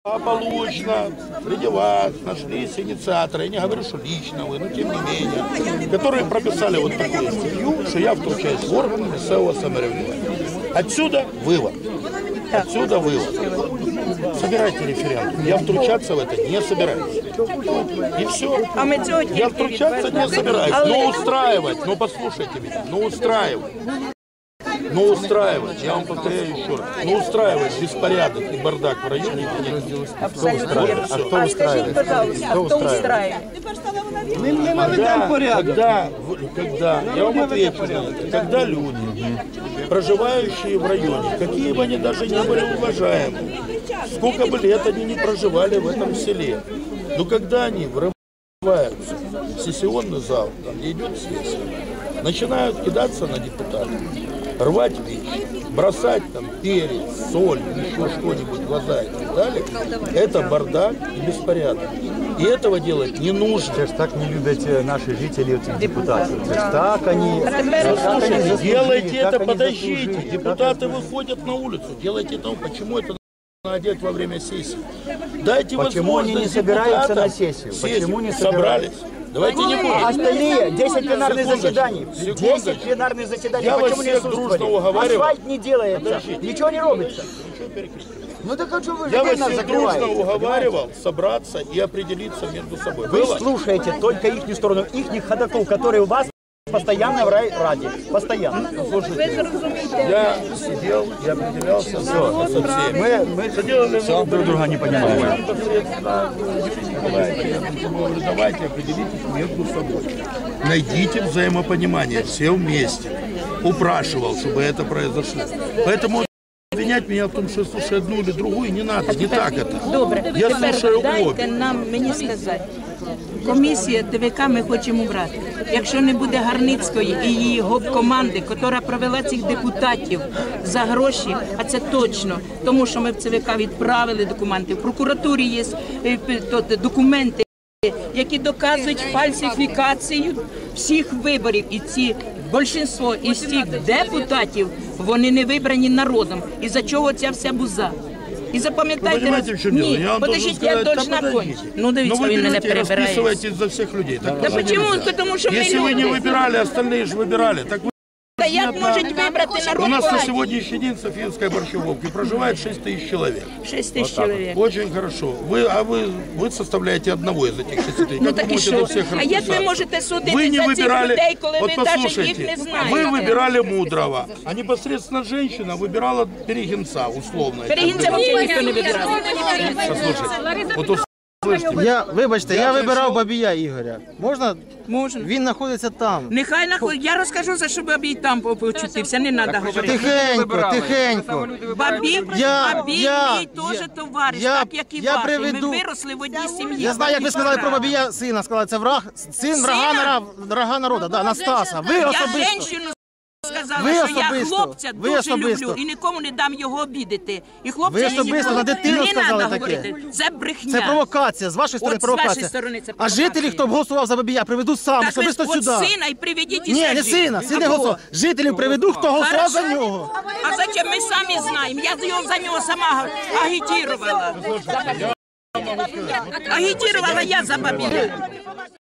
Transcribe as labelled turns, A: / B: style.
A: Благополучно среди вас нашлись инициаторы, я не говорю, что лично вы, но тем не менее, которые прописали вот такую статью, что я втручаюсь в органы местного самоврядування. Отсюда вывод. Отсюда вывод. Собирайте референдум. Я втручаться в это не собираюсь. И все. Я втручаться не собираюсь. Но устраивать, но послушайте меня, но устраивать. Но устраивать, я вам повторяю еще раз, но устраивать беспорядок и бардак в районе нет.
B: Кто устраивает? А кто устраивает? Кто устраивает?
A: Когда, я вам отвечу на это, когда люди, проживающие в районе, какие бы они даже не были уважаемы, сколько бы лет они не проживали в этом селе, но когда они врываются в сессионный зал, там где идет сессия, начинают кидаться на депутатов, рвать вещи, бросать там перец, соль, еще что-нибудь в глаза и так далее, это бардак и беспорядок. И этого делать не нужно.
B: Це ж так не любят наши жители, депутаты. Це ж так они...
A: Слушайте, делайте это, подождите. Депутаты выходят на улицу. Делайте это. Почему это надо делать во время сессии? Дайте
B: Почему они не собираются на сессию? Почему не
A: собрались? Давайте не будем.
B: Остальные 10 пленарных заседаний. 10 пленарных заседаний.
A: Я
B: Почему не
A: дружно
B: Асфальт не делается. Ничего не робится. Ну так а что вы
A: Я вас
B: нас
A: всех дружно уговаривал собраться и определиться между собой.
B: Вы слушаете только их сторону, их ходаков, которые у вас постоянно в Раде. Постоянно.
A: Слушайте, я сидел и определялся со всеми. Мы
B: все друг друга не понимаем.
A: Давайте определитесь между собой. Найдите взаимопонимание все вместе. Упрашивал, чтобы это произошло. Поэтому обвинять меня в том, что я слушаю одну или другую, не надо, не так это.
C: Добре,
A: я слушаю
C: дайте мені сказати. Комісія ТВК ми хочемо брати. Якщо не буде Гарницької і її гоп-команди, яка провела цих депутатів за гроші, а це точно, тому що ми в ЦВК відправили документи, в прокуратурі є документи, які доказують фальсифікацію всіх виборів. І ці більшість із цих депутатів, вони не вибрані народом. І за чого ця вся буза? І запам'ятайте, ні, подождіть, я должна кончити. Ну, дивіться, він мене перебирає.
A: Вы расписываетесь за всех людей.
C: Да почему? Потому что мы
A: если вы не
C: люди.
A: выбирали, остальные же выбирали. Так вы...
C: Да як можуть вибрати народ?
A: У нас на сегодняшний день в Софийской Борщевовке проживает 6 тысяч человек.
C: 6 тысяч человек.
A: Очень хорошо. Вы составляете одного из этих 6 тысяч.
C: Ну так і що? А як ви можете судити за цих людей, коли ви навіть їх не знаєте?
A: Вы выбирали Мудрого, а непосредственно женщина выбирала Перегинца, условно.
C: Перегинця взагалі ніхто не вибирав.
A: Послушайте,
B: Вибачте, я вибирав Бабія Ігоря. Можна?
C: Можна.
B: Він знаходиться там.
C: Нехай знаходиться. Я розкажу, за що Бабій там почутився, не треба говорити.
B: Тихенько, тихенько.
C: Бабій мій теж товариш, так як і ваші. Ми виросли в одній сім'ї.
B: Я знаю, як ви сказали про Бабія сина. Сказали, це враг, син врага народу, да, Настаса. Ви особисто.
C: Сказала, що я хлопця дуже люблю і нікому не дам його обідати. І хлопця
B: ви особисто на дитину сказали таке.
C: Це брехня.
B: Це провокація, з вашої сторони провокація.
C: З вашої сторони це
B: А
C: провокація.
B: жителі, хто б голосував за Бабія, приведу сам,
C: так
B: особисто
C: от
B: сюди.
C: Сина і приведіть і
B: ні, не сина, син не голосував. Жителів приведу, хто голосував за нього.
C: А зачем? Ми самі знаємо. Я за нього сама агітувала. Агітувала я за Бабія.